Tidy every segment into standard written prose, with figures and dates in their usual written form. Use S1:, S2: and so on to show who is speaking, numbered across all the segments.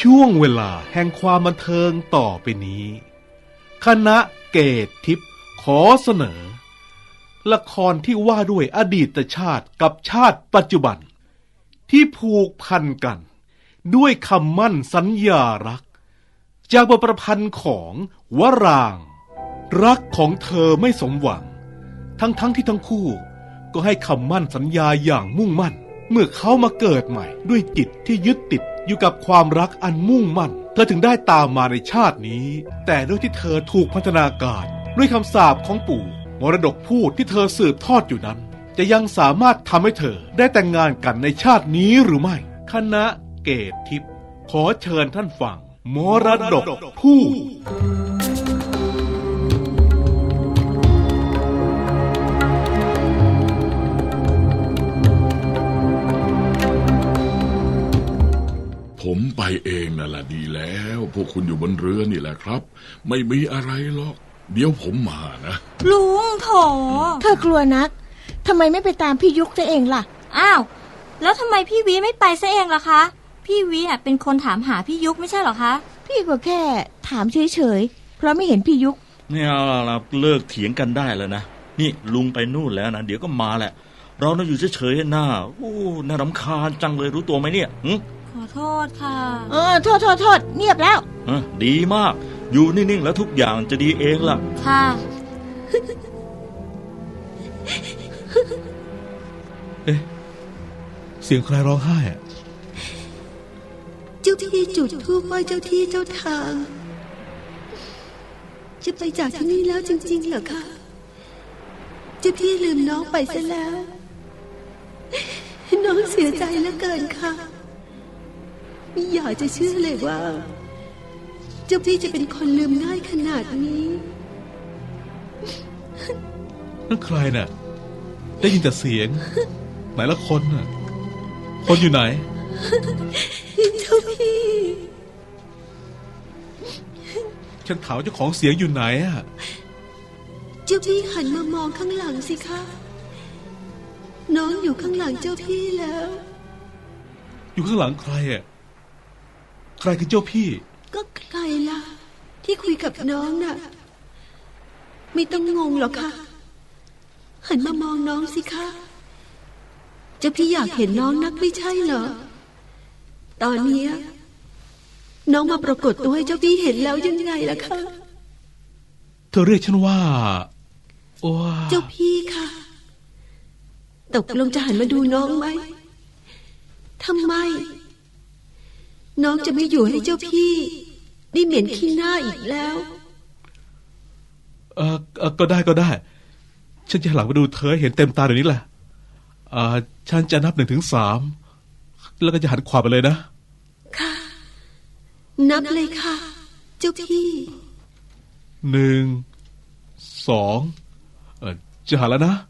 S1: ช่วงเวลาแห่งความบันเทิงต่อไปนี้คณะเกตทิพย์ขอเสนอละครที่ว่าด้วยอดีตชาติกับชาติปัจจุบันที่ผูกพันกันด้วยคำมั่นสัญญารักจากบทประพันธ์ของวรางค์รักของเธอไม่สมหวังทั้งที่ทั้งคู่ก็ให้คำมั่นสัญญาอย่างมุ่งมั่นเมื่อเขามาเกิดใหม่ด้วยจิตที่ยึดติดอยู่กับความรักอันมุ่งมั่นเธอถึงได้ตามมาในชาตินี้แต่ด้วยที่เธอถูกพัฒนาการด้วยคำสาปของปู่มรดกพูดที่เธอสืบทอดอยู่นั้นจะยังสามารถทำให้เธอได้แต่งงานกันในชาตินี้หรือไม่คณะเกตทิพย์ขอเชิญท่านฟังมรดกพูด
S2: ผมไปเองนั่นแหละดีแล้วพวกคุณอยู่บนเรือนี่แหละครับไม่มีอะไรหรอกเดี๋ยวผมมานะ
S3: ลุงโถ
S4: เธอกลัวนักทำไมไม่ไปตามพี่ยุกซะเองล่ะ
S3: อ้าวแล้วทำไมพี่วิไม่ไปซะเองล่ะคะพี่วิเป็นคนถามหาพี่ยุกไม่ใช่หรอคะ
S4: พี่ก็แค่ถามเฉยๆเพราะไม่เห็นพี่ยุก
S5: เนี่ยเราเลิกเถียงกันได้แล้วนะนี่ลุงไปนู่นแล้วนะเดี๋ยวก็มาแหละเราน่าอยู่เฉยๆหน้าน่ารำคาญจังเลยรู้ตัวไหมเนี่ย
S3: ขอโทษค่ะ
S4: โทษเงียบแล้ว
S5: ดีมากอยู่นิ่งๆแล้วทุกอย่างจะดีเองล่ะ
S3: ค่ะ
S1: เอ๊ะเสียงใครร้องไห้อะ
S6: เจ้าที่จุดธูปไหว้เจ้าที่เจ้าทางจะไปจากที่นี่แล้วจริงๆเหรอคะเจ้าพี่ลืมน้องไปซะแล้วน้องเสียใจเหลือเกินค่ะไม่อยากจะเชื่อเลยว่าเจ้าพี่จะเป็นคนลืมง่ายขนาดนี้
S1: นั่นใครน่ะได้ยินแต่เสียงไหนละคนน่ะคนอยู่ไหน
S6: เจ้าพี่
S1: ฉันถามเจ้าของเสียงอยู่ไหนอ่ะ
S6: เจ้าพี่หันมามองข้างหลังสิคะน้องอยู่ข้างหลังเจ้าพี่แล้ว
S1: อยู่ข้างหลังใครอ่ะใครคือเจ้าพี่
S6: ก็ใครล่ะที่คุยกับน้องน่ะไม่ต้องงงหรอกค่ะหันมามองน้องสิคะเจ้าพี่อยากเห็นน้องนักไม่ใช่เหรอตอนนี้น้องมาปรากฏตัวให้เจ้าพี่เห็นแล้วยังไงล่ะคะ
S1: เธอเรียกฉันว่า
S6: เจ้าพี่ค่ะตกลงจะหันมาดูน้องไหมทำไมน้องจะไม่อยู่ให้เจ้าพี่ได้เหม็นขี้หน้าอีกแล้ว
S1: ก็ได้ฉันจะหันหลังมาดูเธอเห็นเต็มตาเดี๋ยวนี้แหละฉันจะนับ1 ถึง 3แล้วก็จะหันขวาไปเลยนะ
S6: ค่ะนับเลยค่ะเจ้าพี่
S1: 1 2จะหันแล้วนะ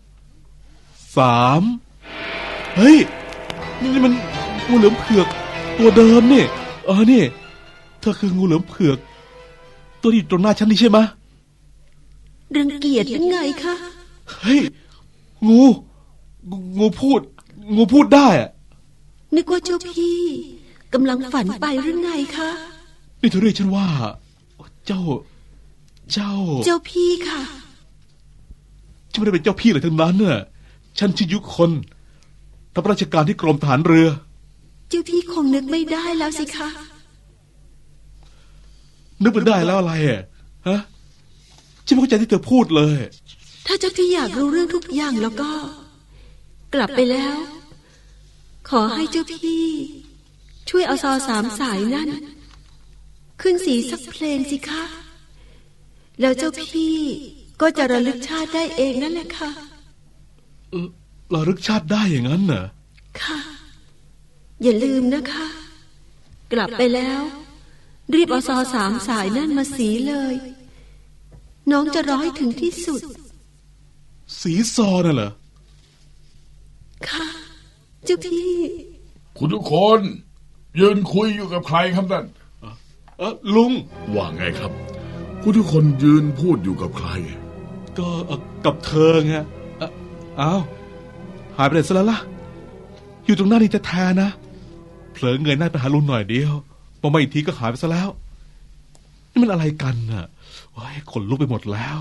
S1: 3เฮ้ยนี่มันงูเหลือมเผือกตัวเดิมนี่นี่เธอคืองูเหลือมเผือกตัวที่อยู่ตรงหน้าฉันนี่ใช่ไหม
S6: รังเกียจยังไงคะ
S1: เฮ้ยงูพูดได้อะ
S6: นึกว่าเจ้าพี่กำลังฝันไปหรือไงคะ
S1: นี่เธอเรียกฉันว่าเจ้า
S6: พี่ค่ะ
S1: ฉันไม่ได้เป็นเจ้าพี่เลยทั้งนั้นน่ะฉันชื่อยุคนทำราชการที่กรมทหารเรือ
S6: เจ้าพี่คงนึกไม่ได้แล้วสิคะ
S1: นึกไม่ได้แล้วอะไรฮะฉันไม่เข้าใจที่เธอพูดเลย
S6: ถ้าเจ้าพี่อยากรู้เรื่องทุกอย่างแล้วก็กลับไปแล้วขอให้เจ้าพี่ช่วยเอาซอ3 สายนั่นขึ้นสีสักเพลงสิคะแล้วเจ้าพี่ก็จะระลึกชาติได้เองนั่นแหละค่ะ
S1: ระลึกชาติได้อย่างนั้นเหรอ
S6: ค่ะอย่าลืมนะคะกลับไปแล้วรีบเอาซอ3 สายนั่นมาสีเลยน้องจะรอให้ถึงที่สุด
S1: สีซอน่ะเหรอ
S6: ค่ะเจ้าพี่
S2: คุณทุกคนยืนคุยอยู่กับใครครับนั่น
S1: ลุง
S2: ว่าไงครับคุณทุกคนยืนพูดอยู่กับใคร
S1: ก็กับเธอไงอ้าวหายไปไหนซะแล้วล่ะอยู่ตรงหน้านี่แท้ๆนะเผลอเงยหน้าไปหาลุงหน่อยเดียวพอมาอีกทีก็หายไปซะแล้วนี่มันอะไรกันน่ะโอ้ยขนลุกไปหมดแล้ว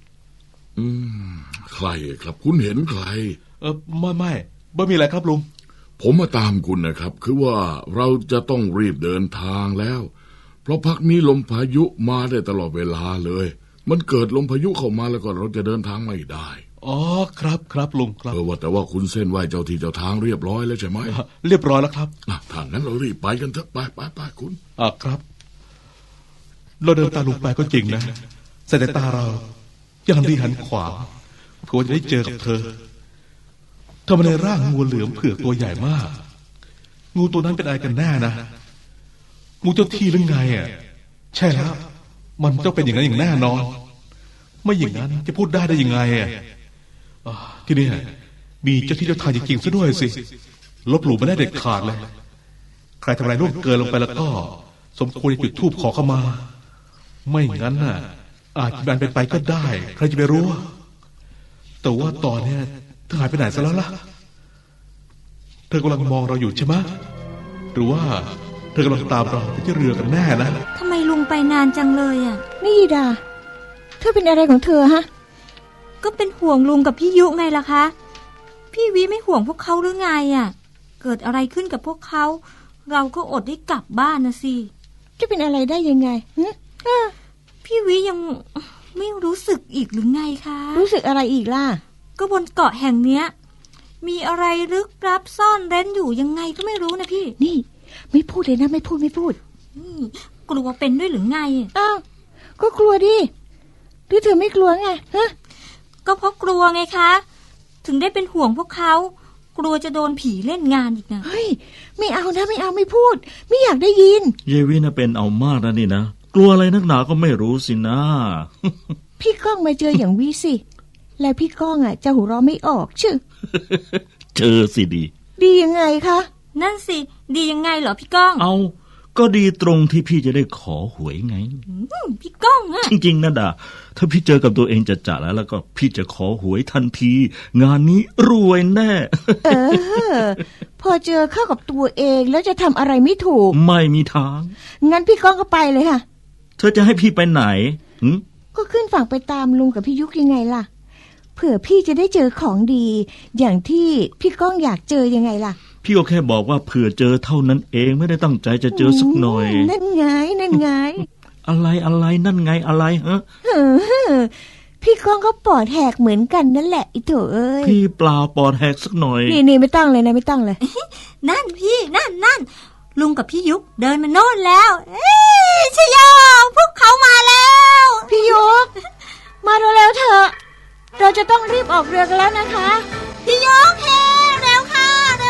S2: ใครครับคุณเห็นใคร
S1: ไม่มีอะไรครับลุง
S2: ผมมาตามคุณนะครับ คือว่าเราจะต้องรีบเดินทางแล้ว เพราะพักนี้ลมพายุมาได้ตลอดเวลาเลย มันเกิดลมพายุเข้ามาแล้วก็เราจะเดินทางไม่ได้
S1: อ๋อครับลุงครับ
S2: แต่ว่าคุณเส้นไหวเจ้าที่เจ้าทางเรียบร้อยแล้วใช่ไหม
S1: เรียบร้อยแล้วครับ
S2: ถ้างั้นเรารีบไปกันเถอะไปคุณ
S1: ครับเราเดินตามลุงไปก็จริงนะสายตาเรายังหันดีหันขวาเพื่อจะได้เจอกับเธอมาในร่างงูเหลือมเผือกตัวใหญ่มากงูตัวนั้นเป็นอะไรกันแน่นะงูเจ้าที่หรือไงอ่ะใช่แล้วมันต้องเป็นอย่างนั้นอย่างแน่นอนไม่อย่างนั้นจะพูดได้ยังไงอ่ะที่นี่มีเจ้าที่เจ้าทางจริงๆซะด้วยสิลบหลู่ไม่ได้เด็ดขาดเลยใครทำอะไรล่วงเกินลงไปแล้วก็สมควรจะจุดธูปขอเข้ามาไม่งั้นน่ะอาจจะเป็นไปก็ได้ใครจะไปรู้แต่ว่าตอนนี้เธอหายไปไหนซะแล้วล่ะเธอกำลังมองเราอยู่ใช่ไหมหรือว่าเธอกำลังตามเราไปที่เรือกันแน่นะ
S3: ทำไมลุงไปนานจังเลยอ่ะ
S4: นี่ดาเธอเป็นอะไรของเธอฮะ
S3: ก็เป็นห่วงลุงกับพี่ยุไงล่ะคะ พี่วิไม่ห่วงพวกเขาหรือไงอ่ะ เกิดอะไรขึ้นกับพวกเขาเราก็อดได้กลับบ้านนะสิ
S4: จะเป็นอะไรได้ยังไง
S3: พี่วิยังไม่รู้สึกอีกหรือไงคะ
S4: รู้สึกอะไรอีกล่ะ
S3: ก็บนเกาะแห่งเนี้ยมีอะไรลึกลับซ่อนเร้นอยู่ยังไงก็ไม่รู้นะพี่
S4: นี่ไม่พูดเลยนะไม่พูด
S3: กลัวเป็นด้วยหรือไง
S4: อ้าวก็กลัวดิหรือเธอไม่กลัวไงฮะ
S3: ก็เพราะกลัวไงคะถึงได้เป็นห่วงพวกเขากลัวจะโดนผีเล่นงานอีกนะ
S4: เฮ้ยไม่เอานะไม่เอาไม่พูดไม่อยากได้ยิน
S5: เยวิน่ะเป็นเอามากนะนี่นะกลัวอะไรนักหนาก็ไม่รู้สินะ
S4: พี่ก้องมาเจออย่างวิสิแล้วพี่ก้องจะหัวเราะไม่ออกชื่อ
S5: เจอสิ
S4: ดียังไงคะ
S3: นั่นสิดียังไงเหรอพี่ก้อง
S5: เอาก็ดีตรงที่พี่จะได้ขอหวยไง
S3: พี่ก้องอะ
S5: จริงๆนะดาถ้าพี่เจอกับตัวเองจะแล้วก็พี่จะขอหวยทันทีงานนี้รวยแน่
S4: พอเจอเข้ากับตัวเองแล้วจะทำอะไรไม่ถูก
S5: ไม่มีทาง
S4: งั้นพี่ก้องก็ไปเลยค่ะ
S5: เธอจะให้พี่ไปไหน
S4: ก็ขึ้นฝั่งไปตามลุงกับพี่ยุกยังไงล่ะเผื่อพี่จะได้เจอของดีอย่างที่พี่ก้องอยากเจอยังไงล่ะ
S5: พี่ก็แค่บอกว่าเผื่อเจอเท่านั้นเองไม่ได้ตั้งใจจะเจอสักหน่อย
S4: นั่นไง
S5: อะไรนั่นไงอะไรฮะ
S4: พี่ก้องก็ปอดแหกเหมือนกันนั่นแหละอีโถเอ้ย
S5: พี่เปล่าปอดแหกสักหน่อย
S4: นี่ไม่ต้องเลยนะไม่ต้องเลย
S3: นั่นพี่นั่นลุงกับพี่ยุกเดินมาโน่นแล้วชโยพวกเขามาแล้ว
S4: พี่ยุกมาเร็วๆเถอะเราจะต้องรีบออกเรือกันแล้วนะคะ
S3: พี่ยุกเร็วค่ะ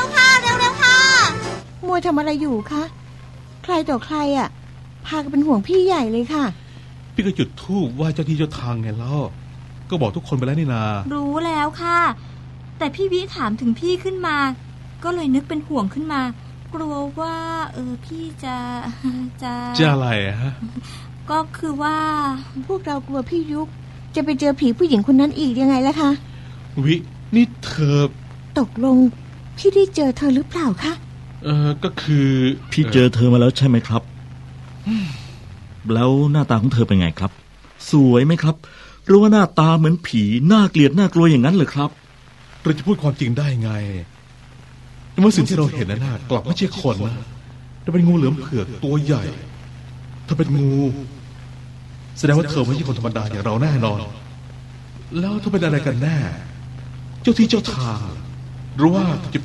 S4: มัวทำอะไรอยู่คะใครต่อใครพากันเป็นห่วงพี่ใหญ่เลยค่ะ
S1: พี่ก็จุดธูปไหว้เจ้าที่เจ้าทางไงแล้วก็บอกทุกคนไปแล้วนี่นา
S3: รู้แล้วค่ะแต่พี่วิถามถึงพี่ขึ้นมาก็เลยนึกเป็นห่วงขึ้นมากลัวว่าพี่จะ
S1: อะไรฮะ
S3: ก็คือว่า
S4: พวกเรากลัวพี่ยุกจะไปเจอผีผู้หญิงคนนั้นอีกยังไงล่ะคะ
S1: วินี่เธอ
S4: ตกลงพี่ได้เจอเธอหรือเปล่าคะ
S1: ก็คือ
S5: พี่เจอเธอมาแล้วใช่ไหมครับแล้วหน้าตาของเธอเป็นไงครับสวยไหมครับหรือว่าหน้าตาเหมือนผีน่าเกลียดน่ากลัวอย่างนั้นเลยครับ
S1: เราจะพูดความจริงได้ไงเมื่อสิ่งที่เราเห็นนั้นกลับไม่ใช่คนนะแต่เป็นงูเหลือมเผือกตัวใหญ่ถ้าเป็นงูแสดงว่าเธอไม่ใช่คนธรรมดาอย่างเราแน่นอนแล้วเธอเป็นอะไรกันแน่เจ้าที่เจ้าทางหรือว่าจะ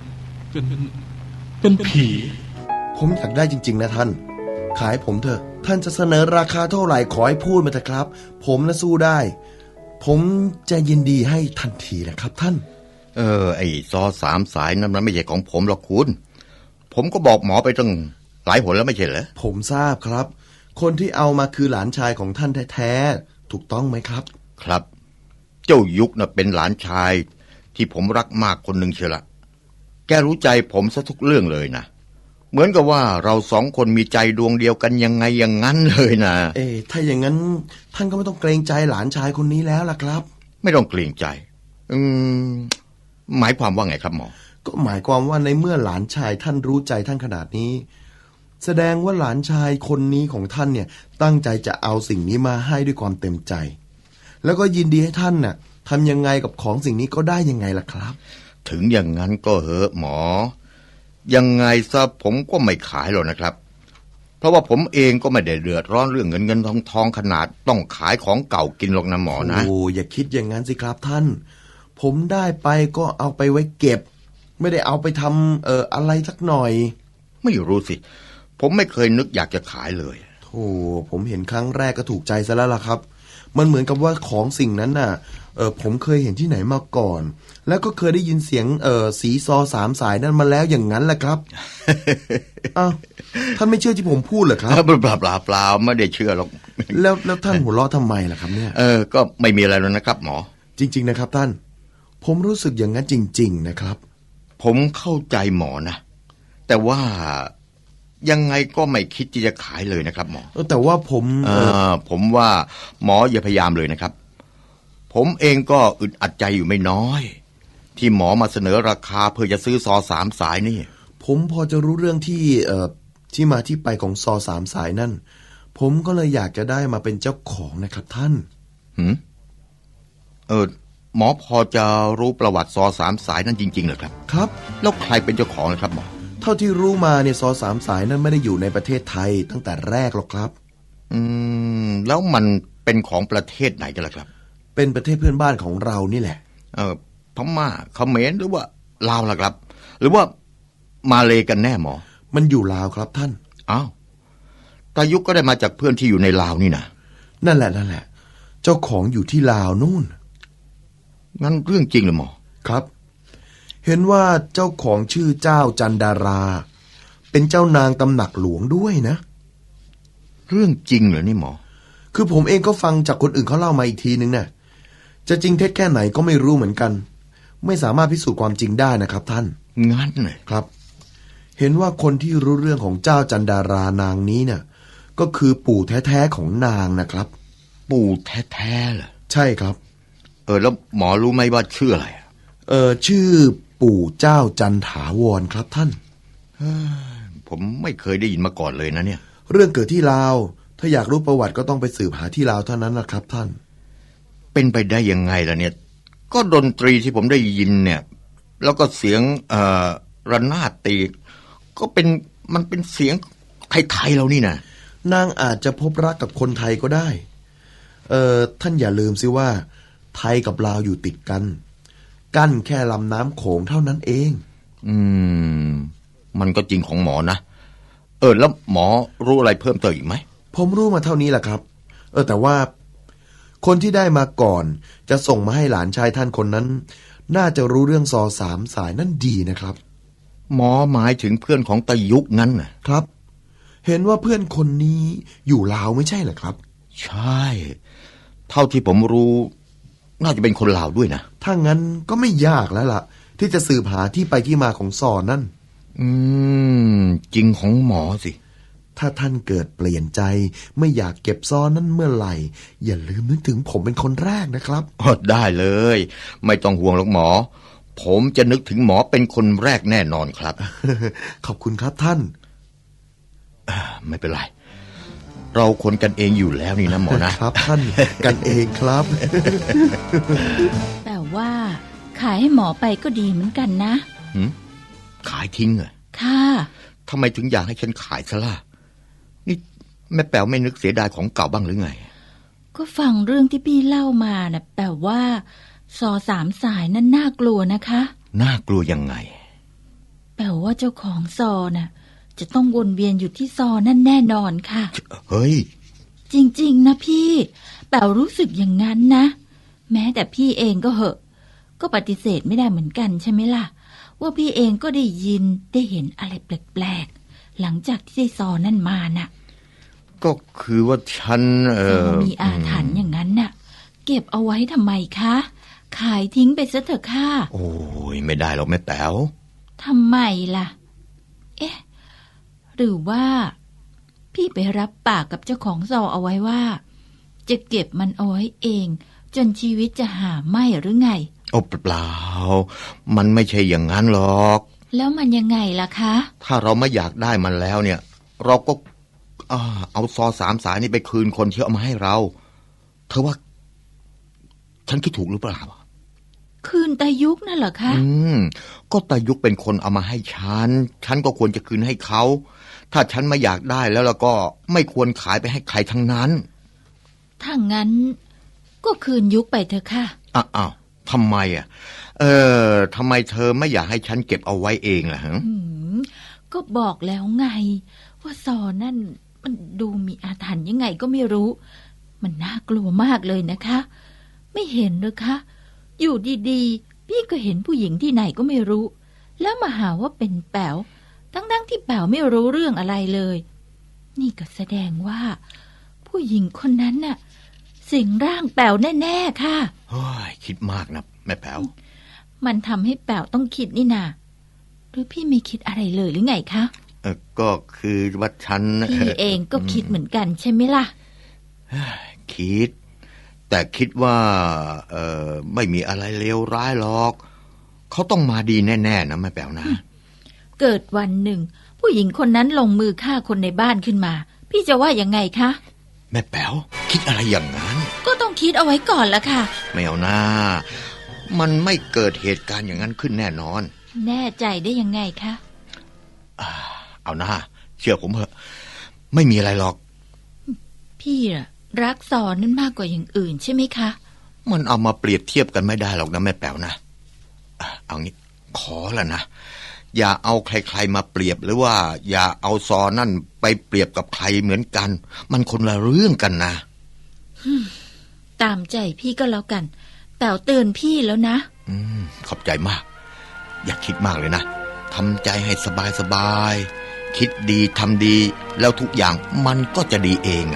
S1: เป็นผี
S7: ผมอยากได้จริงๆนะท่านขายผมเถอะท่านจะเสนอราคาเท่าไหร่ขอให้พูดมาเถอะครับผมนะสู้ได้ผมจะยินดีให้ทันทีนะครับท่าน
S8: ไอ้ซอ3 สายนั้นมันไม่ใช่ของผมหรอกคุณผมก็บอกหมอไปตั้งหลายหนแล้วไม่ใช่เหรอ
S7: ผมทราบครับคนที่เอามาคือหลานชายของท่านแท้ๆถูกต้องไหมครับ
S8: ครับเจ้ายุกน่ะเป็นหลานชายที่ผมรักมากคนหนึ่งเชียวละแกรู้ใจผมซะทุกเรื่องเลยนะเหมือนกับว่าเรา2 คนมีใจดวงเดียวกันยังไงอย่างนั้นเลยนะ
S7: ถ้าอย่างนั้นท่านก็ไม่ต้องเกรงใจหลานชายคนนี้แล้วล่ะครับ
S8: ไม่ต้องเกรงใจหมายความว่าไงครับหมอ
S7: ก็หมายความว่าในเมื่อหลานชายท่านรู้ใจท่านขนาดนี้แสดงว่าหลานชายคนนี้ของท่านเนี่ยตั้งใจจะเอาสิ่งนี้มาให้ด้วยความเต็มใจ แล้วก็ยินดีให้ท่านน่ะทำยังไงกับของสิ่งนี้ก็ได้ยังไงล่ะครับ
S8: ถึงอย่างนั้นก็เหอะหมอ ยังไงซะผมก็ไม่ขายหรอกนะครับ เพราะว่าผมเองก็ไม่ได้เดือดร้อนเรื่องเงินทองขนาดต้องขายของเก่ากินหรอกนะหมอนะ
S7: โอ้อย่าคิดอย่างนั้นสิครับท่าน ผมได้ไปก็เอาไปไว้เก็บ ไม่ได้เอาไปทำอะไรสักหน่อย
S8: ไม่รู้สิ ผมไม่เคยนึกอยากจะขายเลย
S7: โธ่ผมเห็นครั้งแรกก็ถูกใจซะแล้วล่ะครับ มันเหมือนกับว่าของสิ่งนั้นน่ะผมเคยเห็นที่ไหนมาก่อน แล้วก็เคยได้ยินเสียงสีซอ3 สายนั่นมาแล้วอย่างนั้นแหละครับ อ้าวท่านไม่เชื่อที่ผมพูดเหรอครับ
S8: เปล่าไม่ได้เชื่อหรอก
S7: แล้วท่านหัวเราะทำไมล่ะครับเนี่ย
S8: ก็ไม่มีอะไรแล้วนะครับหมอ
S7: จริงๆนะครับท่าน ผมรู้สึกอย่างนั้นจริงๆนะครับ
S8: ผมเข้าใจหมอนะแต่ว่ายังไงก็ไม่คิดที่จะขายเลยนะครับหมอ
S7: แต่ว่าผม
S8: ผมว่าหมออย่าพยายามเลยนะครับ ผมเองก็อึดอัดใจอยู่ไม่น้อย ที่หมอมาเสนอราคาเพื่อจะซื้อซอ3 สายนี่
S7: ผมพอจะรู้เรื่องที่มาที่ไปของซอ3 สายนั่น ผมก็เลยอยากจะได้มาเป็นเจ้าของนะครับท่าน
S8: หมอพอจะรู้ประวัติซอ3 สายนั่นจริงๆเหรอครับ
S7: ครับ
S8: แล้วใครเป็นเจ้าของนะครับหมอ
S7: เท่าที่รู้มาเนี่ยซอ3 สายนั้นไม่ได้อยู่ในประเทศไทยตั้งแต่แรกหรอกครับ
S8: แล้วมันเป็นของประเทศไหนกันล่ะครับ
S7: เป็นประเทศเพื่อนบ้านของเรานี่แหละ
S8: พม่าเขมรหรือว่าลาวล่ะครับ หรือว่ามาเลกันแน่หมอ
S7: มันอยู่ลาวครับท่าน
S8: อ้าวตายุก็ได้มาจากเพื่อนที่อยู่ในลาวนี่นะ
S7: นั่นแหละ เจ้าของอยู่ที่ลาวนู่น
S8: งั้นเรื่องจริงเหรอหมอ
S7: ครับ เห็นว่าเจ้าของชื่อเจ้าจันดารา เป็นเจ้านางตำหนักหลวงด้วยนะ
S8: เรื่องจริงเหรอนี่หมอ
S7: คือผมเองก็ฟังจากคนอื่นเขาเล่ามาอีกทีนึงนะจะจริงเท็จแค่ไหนก็ไม่รู้เหมือนกัน ไม่สามารถพิสูจน์ความจริงได้นะครับท่าน
S8: งั้นเลย
S7: ครับ เห็นว่าคนที่รู้เรื่องของเจ้าจันดารานางนี้เนี่ยก็คือปู่แท้ๆของนางนะครับ
S8: ปู่แท้ๆเหรอ
S7: ใช่ครับ
S8: แล้วหมอรู้ไหมว่าชื่ออะไร
S7: ชื่อปู่เจ้าจันถาวรครับท่าน
S8: ผมไม่เคยได้ยินมาก่อนเลยนะเนี่ย
S7: เรื่องเกิดที่ลาว ถ้าอยากรู้ประวัติก็ต้องไปสืบหาที่ลาวเท่านั้นนะครับท่าน
S8: เป็นไปได้ยังไงล่ะเนี่ย ก็ดนตรีที่ผมได้ยินเนี่ย แล้วก็เสียงระนาดตีก็มันเป็นเสียงไทยๆเรานี่นะ
S7: นางอาจจะพบรักกับคนไทยก็ได้ ท่านอย่าลืมสิว่า ไทยกับลาวอยู่ติดกัน กั้นแค่ลำน้ำโขงเท่านั้นเอง
S8: มันก็จริงของหมอนะแล้วหมอรู้อะไรเพิ่มเติมอีกไหม
S7: ผมรู้มาเท่านี้แหละครับ แต่ว่าคนที่ได้มาก่อนจะส่งมาให้หลานชายท่านคนนั้น น่าจะรู้เรื่องซอ3 สายนั่นดีนะครับ
S8: หมอหมายถึงเพื่อนของตายุกงั้นน่ะ
S7: ครับ เห็นว่าเพื่อนคนนี้อยู่ลาวไม่ใช่เหรอครับ
S8: ใช่ เท่าที่ผมรู้น่าจะเป็นคนลาวด้วยนะ
S7: ถ้างั้นก็ไม่ยากแล้วล่ะ ที่จะสืบหาที่ไปที่มาของซอนั่น
S8: จริงของหมอสิ
S7: ถ้าท่านเกิดเปลี่ยนใจไม่อยากเก็บซอนั่นเมื่อไหร่ อย่าลืมนึกถึงผมเป็นคนแรกนะครับ
S8: ได้เลย ไม่ต้องห่วงหรอกหมอ ผมจะนึกถึงหมอเป็นคนแรกแน่นอนครับ
S7: ขอบคุณครับท่าน
S8: ไม่เป็นไร เราคนกันเองอยู่แล้วนี่นะหมอนะ
S7: ครับท่าน กันเองครับ
S3: แต่ว่าขายให้หมอไปก็ดีเหมือนกันนะ
S8: ขายทิ้งเหรอ
S3: ค่ะ
S8: ทำไมถึงอยากให้ฉันขายซะล่ะนี่แม่แป๋วไม่นึกเสียดายของเก่าบ้างหรือไง
S3: ก็ฟังเรื่องที่พี่เล่ามานะแต่ว่าซอ3 สายนั้นน่ากลัวนะคะ
S8: น่ากลัวยังไง
S3: แปลว่าเจ้าของซอน่ะจะต้องวนเวียนอยู่ที่ซอนั่นแน่นอนค่ะ
S8: เฮ้ย
S3: จริงๆนะพี่แปลรู้สึกอย่างนั้นนะ แม้แต่พี่เองก็เหอะก็ปฏิเสธไม่ได้เหมือนกันใช่ไหมล่ะว่าพี่เองก็ได้ยินได้เห็นอะไรแปลกๆหลังจากที่ได้ซอนั่นมาน่ะ
S8: ก็คือว่าฉัน
S3: ซอมีอาถรรพ์อย่างนั้นน่ะเก็บเอาไว้ทำไมคะขายทิ้งไปซะเถอะค่ะ
S8: โอ้ยไม่ได้หรอกแม่แป๋ว
S3: ทำไมล่ะหรือว่าพี่ไปรับปากกับเจ้าของซอเอาไว้ว่าจะเก็บมันเอาไว้เองจนชีวิตจะหาไม่หรือไง
S8: โอ้เปล่ามันไม่ใช่อย่างนั้นหรอก
S3: แล้วมันยังไงล่ะคะ
S8: ถ้าเราไม่อยากได้มันแล้วเนี่ยเราก็เอาซอ3 สายนี่ไปคืนคนที่เอามาให้เราเธอว่าฉันคิดถูกหรือเปล่า
S3: คืนตายุกนั่นเหรอคะ
S8: ก็ตายุกเป็นคนเอามาให้ฉันก็ควรจะคืนให้เขาถ้าฉันไม่อยากได้แล้วก็ไม่ควรขายไปให้ใครทั้งนั้น
S3: ถ้างั้นก็คืนยุกไปเถอะค่ะ
S8: อ้าวทำไมทำไมเธอไม่อยากให้ฉันเก็บเอาไว้เองล่ะฮะ
S3: ก็บอกแล้วไงว่าซอนั่นมันดูมีอาถรรพ์ยังไงก็ไม่รู้มันน่ากลัวมากเลยนะคะ ไม่เห็นหรือคะอยู่ดีๆพี่ก็เห็นผู้หญิงที่ไหนก็ไม่รู้แล้วมาหาว่าเป็นแป๋วทั้งที่แป๋วไม่รู้เรื่องอะไรเลยนี่ก็แสดงว่าผู้หญิงคนนั้นน่ะสิงร่างแป๋วแน่ๆค่ะ
S8: เฮ้ยคิดมากนะแม่แป๋ว
S3: มันทำให้แป๋วต้องคิดนี่นาหรือพี่ไม่คิดอะไรเลยหรือไงคะ
S8: ก็คือว่าฉัน
S3: พี่เองก็คิดเหมือนกันใช่ไหมล่ะ
S8: คิดแต่คิดว่าไม่มีอะไรเลวร้ายหรอกเขาต้องมาดีแน่ๆนะแม่แป๋วนะ
S3: เกิดวันหนึ่งผู้หญิงคนนั้นลงมือฆ่าคนในบ้านขึ้นมาพี่จะว่ายังไงคะ
S8: แม่แป๋วคิดอะไรอย่างนั้น
S3: ก็ต้องคิดเอาไว้ก่อนละค่ะ
S8: ไม่เอานะมันไม่เกิดเหตุการณ์อย่างนั้นขึ้นแน่นอน
S3: แน่ใจได้ยังไงคะ
S8: เอานะเชื่อผมเถอะไม่มีอะไรหรอก
S3: พี่รักซอนั่นมากกว่าอย่างอื่นใช่ไหมคะ
S8: มันเอามาเปรียบเทียบกันไม่ได้หรอกนะแม่แป๋วนะเอางี้ขอละนะอย่าเอาใครๆมาเปรียบหรือว่าอย่าเอาซอนั่นไปเปรียบกับใครเหมือนกันมันคนละเรื่องกันนะ
S3: ตามใจพี่ก็แล้วกันแต่เตือนพี่แล้วนะ
S8: ขอบใจมากอย่าคิดมากเลยนะทำใจให้สบายๆคิดดีทำดีแล้วทุกอย่างมันก็จะดีเอง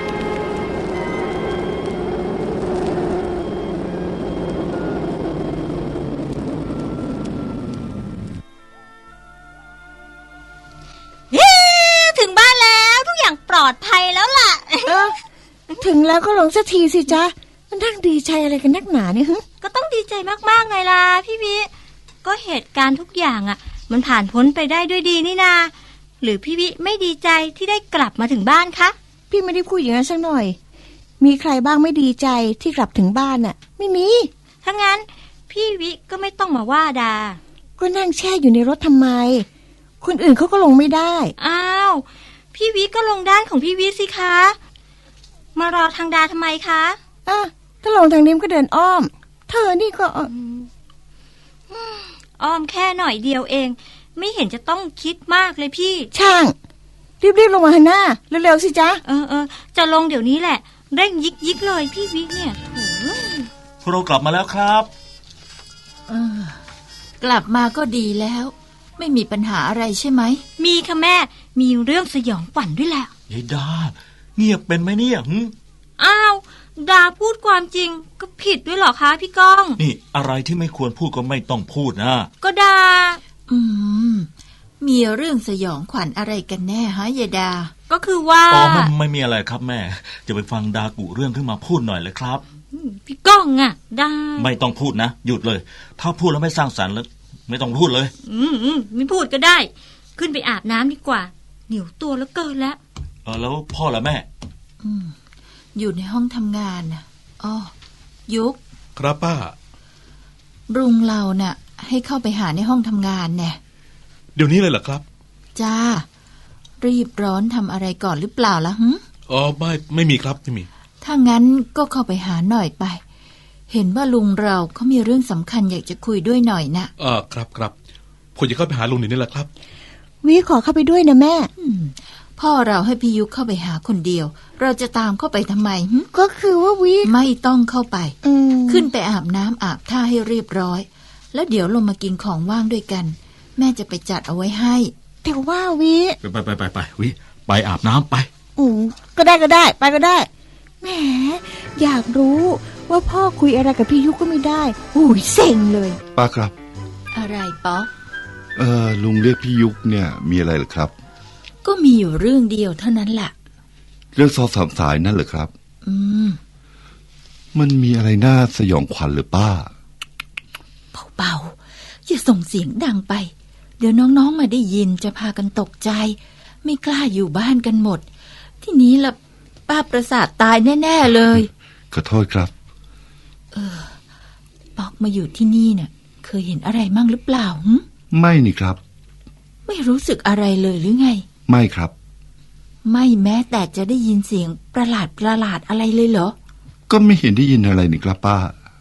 S9: ถึงบ้านแล้วทุกอย่างปลอดภัยแล้วล่ะ
S4: ถึงแล้วก็ลงสักทีสิจ๊ะมันนั่งดีใจอะไรกันนักหนาเนี่ย
S9: ก็ต้องดีใจมากๆไงล่ะพี่วิก็เหตุการณ์ทุกอย่างมันผ่านพ้นไปได้ด้วยดีนี่นาหรือพี่วิไม่ดีใจที่ได้กลับมาถึงบ้านคะ
S4: พี่ไม่ได้พูดอย่างนั้นสักหน่อยมีใครบ้างไม่ดีใจที่กลับถึงบ้านไม่มี
S9: ถ้างั้นพี่วิก็ไม่ต้องมาว่าดา
S4: ก็นั่งแช่อยู่ในรถทำไมคนอื่นเขาก็ลงไม่ได้
S9: อ้าวพี่วิก็ลงด้านของพี่วิสิคะมารอทางดาทำไมคะ
S4: ถ้าลงทางนี้ก็เดินอ้อมเธอนี่ก็
S9: อ้อมแค่หน่อยเดียวเองไม่เห็นจะต้องคิดมากเลยพี่
S4: ช่างรีบลงมาหน้าเร็วๆสิจ๊ะ
S9: จะลงเดี๋ยวนี้แหละเร่งยิกเลยพี่วิเนี่ย
S5: โถเรากลับมาแล้วครับ
S3: กลับมาก็ดีแล้วไม่มีปัญหาอะไรใช่ไหม
S9: มีค่ะแม่มีเรื่องสยองขวัญด้วยแหละ
S5: ยายดาเงียบเป็นไหมเนี่ย
S9: อ้าวดาพูดความจริงก็ผิดด้วยเหรอคะพี่ก้อง
S5: นี่อะไรที่ไม่ควรพูดก็ไม่ต้องพูดนะ
S9: ก็ดา
S3: มีเรื่องสยองขวัญอะไรกันแน่ฮะยายดา
S9: ก็คือว่า
S5: ไม่มีอะไรครับแม่จะไปฟังดากุเรื่องขึ้นมาพูดหน่อยเลยครับ
S9: พี่ก้องดา
S5: ไม่ต้องพูดนะหยุดเลยถ้าพูดแล้วไม่สร้างสรรค์แล้วไม่ต้องพูดเลย
S9: ไม่พูดก็ได้ขึ้นไปอาบน้ำดีกว่าเหนียวตัวแล้วเกินแล้ว
S5: แล้วพ่อละแม่
S3: อยู่ในห้องทำงานยุก
S1: ครับป้า
S3: รุงเราให้เข้าไปหาในห้องทำงานเนี่ย
S1: เดี๋ยวนี้เลยเหรอครับ
S3: จ้ารีบร้อนทำอะไรก่อนหรือเปล่าล่ะ
S1: ไม่มีครับไม่มี
S3: ถ้างั้นก็เข้าไปหาหน่อยไปเห็นว่าลุงเราเขามีเรื่องสำคัญอยากจะคุยด้วยหน่อย
S1: นะครับผมจะเข้าไปหาลุงนี่แหละครับ
S4: วิขอเข้าไปด้วยนะแม่
S3: พ่อเราให้พี่ยุกเข้าไปหาคนเดียวเราจะตามเข้าไปทำไม
S4: ก็คือว่าวิ
S3: ไม่ต้องเข้าไปขึ้นไปอาบน้ำอาบท่าให้เรียบร้อยแล้วเดี๋ยวลงมากินของว่างด้วยกันแม่จะไปจัดเอาไว้ให้
S4: แต่ว่าวิ
S5: ไปวิไปอาบน้ำไป
S4: ก็ได้ไปก็ได้แหมอยากรู้ว่าพ่อคุยอะไรกับพี่ยุกก็ไม่ได้เซ็งเลย
S10: ป้าครับ
S3: อะไรป๊อก
S10: ลุงเรียกพี่ยุกเนี่ยมีอะไรหรือครับ
S3: ก็มีอยู่เรื่องเดียวเท่านั้นแหละ
S10: เรื่องซอ3 สายนั่นเหรอครับมันมีอะไรน่าสยองขวัญหรือป้า
S3: เบาๆอย่าส่งเสียงดังไปเดี๋ยวน้องๆมาได้ยินจะพากันตกใจไม่กล้าอยู่บ้านกันหมด ที่นี้ละป้าประสาทตายแน่ๆเลย
S10: ขอโทษครับ
S3: ป๊อกมาอยู่ที่นี่เนี่ยเคยเห็นอะไรมั่งหรือเปล่าหึ
S10: ไม่นี่ครับ
S3: ไม่รู้สึกอะไรเลยหรือไง
S10: ไม่ครับ
S3: ไม่แม้แต่จะได้ยินเสียงประหลาดอะไรเลยเหรอ
S10: ก็ไม่เห็นได้ยินอะไรนี่ครับป้า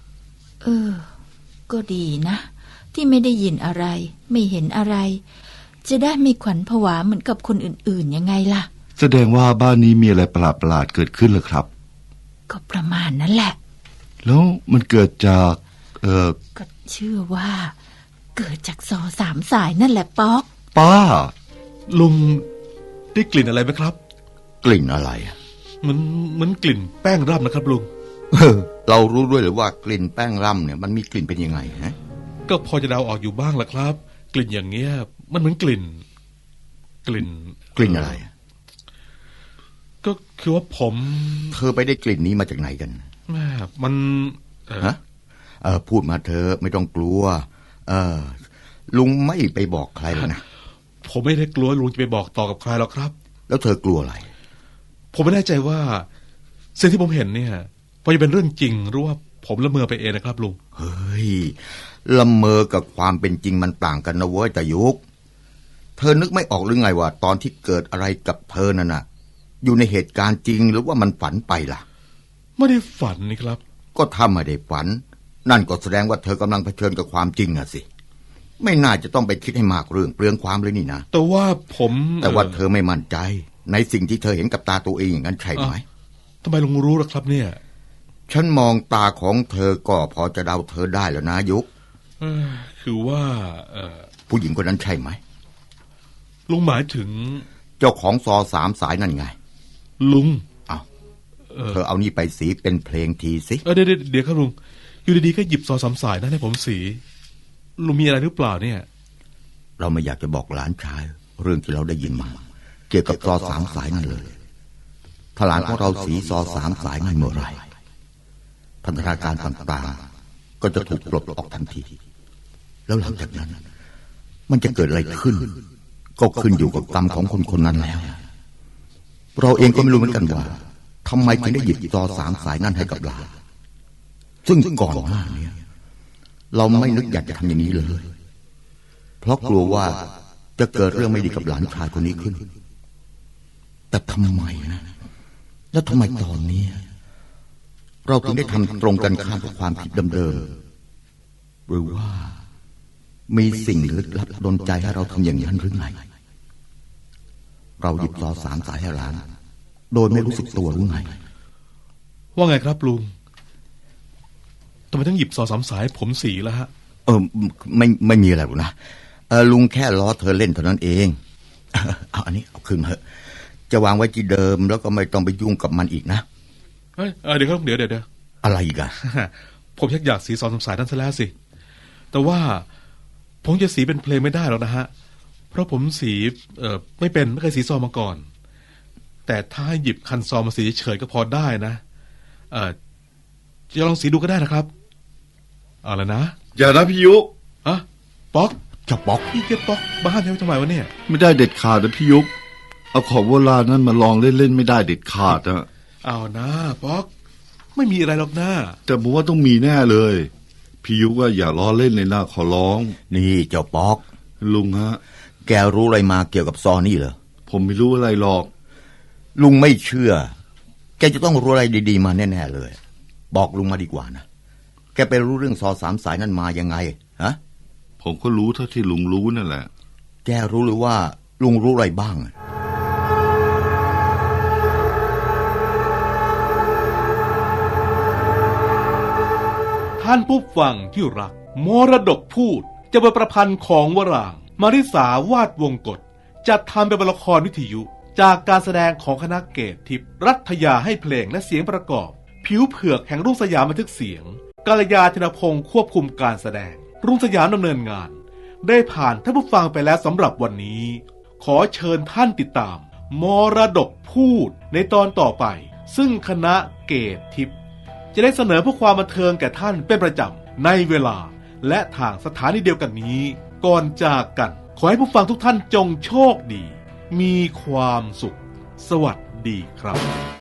S3: ก็ดีนะ ที่ไม่ได้ยินอะไร ไม่เห็นอะไร จะได้ไม่ขวัญผวาเหมือนกับคนอื่นๆยังไงล่ะ
S10: แสดงว่าบ้านนี้มีอะไรประหลาดๆเกิดขึ้นเหรอครับ
S3: ก็ประมาณนั้นแหละ
S10: แล้วมันเกิดจาก
S3: ก็เชื่อว่า เกิดจากซอสามสายนั่นแหละป๊อก
S10: ป้า
S1: ลุงได้กลิ่นอะไรไหมครับ
S8: กลิ่นอะไรอะ
S1: เหมือนกลิ่นแป้งร่ำนะครับลุง
S8: เรารู้ด้วยหรือว่ากลิ่นแป้งร่ำเนี่ยมันมีกลิ่นเป็นยังไงฮะ
S1: ก็พอจะเดาออกอยู่บ้างละครับ กลิ่นอย่างเงี้ย มันเหมือนกลิ่น
S8: อะไรอะ
S1: ก็คือว่าผม
S8: เธอไปได้กลิ่นนี้มาจากไหนกัน
S1: แม่มัน
S8: ฮะพูดมาเธอไม่ต้องกลัวลุงไม่ไปบอกใครหรอกนะ
S1: ผมไม่ได้กลัวลุงจะไปบอกต่อกับใครหรอกครับ
S8: แล้วเธอกลัวอะไร
S1: ผมไม่แน่ใจว่าสิ่งที่ผมเห็นเนี่ยพอจะเป็นเรื่องจริงหรือว่าผมละเมอไปเองนะครับลุง
S8: เฮ้ยละเมอกับความเป็นจริงมันต่างกันนะเว้ยแต่ยุกเธอนึกไม่ออกหรือไงว่าตอนที่เกิดอะไรกับเธอนั่นน่ะอยู่ในเหตุการณ์จริงหรือว่ามันฝันไปล่ะ
S1: ไม่ได้ฝันนี่ครับ
S8: ก็ถ้าไม่ได้ฝันนั่นก็แสดงว่าเธอกำลังเผชิญกับความจริงอะสิไม่น่าจะต้องไปคิดให้มากเรื่องเปลืองความเลยนี่นะ
S1: แต่ว่า
S8: เธอไม่มั่นใจในสิ่งที่เธอเห็นกับตาตัวเองอย่างนั้นใช่ไหม
S1: ทำไมลุงรู้ล่ะครับเนี่ย
S8: ฉันมองตาของเธอก็พอจะเดาเธอได้แล้วนะยุก
S1: คือว่า
S8: ผู้หญิงคนนั้นใช่ไหม
S1: ลุงหมายถึง
S8: เจ้าของซอสามสายนั่นไง
S1: ลุง
S8: เธอเอานี่ไปสีเป็นเพลงทีสิ
S1: เดี๋ยวครับลุงอยู่ดีๆก็หยิบซอสามสายนั่นให้ผมสีลุงมีอะไรหรือเปล่าเนี่ย
S8: เราไม่อยากจะบอกหลานชายเรื่องที่เราได้ยินมาเกี่ยวกับซอสามสายนั่นเลยถ้าหลานของเราสีซอสามสายนั่นเมื่อไรพันธนาการต่างๆก็จะถูกปลดออกทันทีแล้วหลังจากนั้นมันจะเกิดอะไรขึ้นก็ขึ้นอยู่กับกรรมของคนคนนั้นแล้วเราเองก็ไม่รู้เหมือนกันว่าทำไมถึงได้หยิบซอสามสายนั่นให้กับหลานซึ่งก่อนหน้านี้เราไม่นึกอยากจะทำอย่างนี้เลยเพราะกลัวว่าจะเกิดเรื่องไม่ดีกับหลานชายคนนี้ขึ้นแต่ทำไมนะแล้วทำไมตอนนี้เราถึงได้ทำตรงกันข้ามกับความคิดเดิมๆหรือว่ามีสิ่งลึกลับดลใจให้เราทำอย่างนั้นหรือไงเราหยิบซอสามสายให้หลานโดยไม่รู้สึกตัวหรือไง
S1: ว่าไงครับลุงทำไมต้องหยิบซอสามสายผมสีแล้วฮะ
S8: ไม่มีอะไรหรอกนะลุงแค่ล้อเธอเล่นเท่านั้นเองเอาอันนี้เอาคืนมาเถอะจะวางไว้ที่เดิมแล้วก็ไม่ต้องไปยุ่งกับมันอีกนะ
S1: เดี๋ยวครับเดี๋ยว
S8: อะไรอีกอะ
S1: ผมอยากสีซอสามสายนั่นซะแล้วสิแต่ว่าผมจะสีเป็นเพลงไม่ได้หรอกนะฮะเพราะผมสีไม่เคยสีซอมาก่อนแต่ถ้าหยิบคันซอมาสีเฉยก็พอได้นะจะลองสีดูก็ได้นะครับเอาละนะ
S10: อย่านะพี่ยุ
S1: ป๊อก
S8: จะป๊อก
S1: พี่จะป๊อกบ้านทำไมวะเนี่ย
S10: ไม่ได้เด็ดขาดนะพี่ยุกเอาของโบราณนั้นมาลองเล่นๆไม่ได้เด็ดขาดนะ
S1: เอานะป๊อกไม่มีอะไรหรอกนะ
S10: แต่ผมว่าต้องมีแน่เลยพี่ยุกว่าอย่าล้อเล่นเลยนะขอร้อง
S8: นี่เจ้าป๊อก
S10: ลุงฮะ
S8: แกรู้อะไรมาเกี่ยวกับซอนี่เหรอ
S10: ผมไม่รู้อะไรหรอก
S8: ลุงไม่เชื่อแกจะต้องรู้อะไรดีๆมาแน่ๆเลยบอกลุงมาดีกว่านะแกไปรู้เรื่องซอสามสายนั่นมายังไงฮะ
S10: ผมก็รู้เท่าที่ลุงรู้นั่นแหละ
S8: แกรู้หรือว่าลุงรู้อะไรบ้าง
S1: ท่านผู้ฟังที่รักมรดกพูดจะเป็นประพันธ์ของวรางค์มาริสาวาดวงกฎจัดทำเป็นละครวิทยุจากการแสดงของคณะเกตทิพย์รัฐยาให้เพลงและเสียงประกอบผิวเผือกแห่งรุ่งสยามบันทึกเสียงกาลยาธนพงศ์ควบคุมการแสดงรุ่งสยามดำเนินงานได้ผ่านท่านผู้ฟังไปแล้วสำหรับวันนี้ขอเชิญท่านติดตามมรดกพูดในตอนต่อไปซึ่งคณะเกตทิพย์จะได้เสนอเพื่อความบันเทิงแก่ท่านเป็นประจำในเวลาและทางสถานีเดียวกันนี้ก่อนจากกันขอให้ผู้ฟังทุกท่านจงโชคดีมีความสุข สวัสดีครับ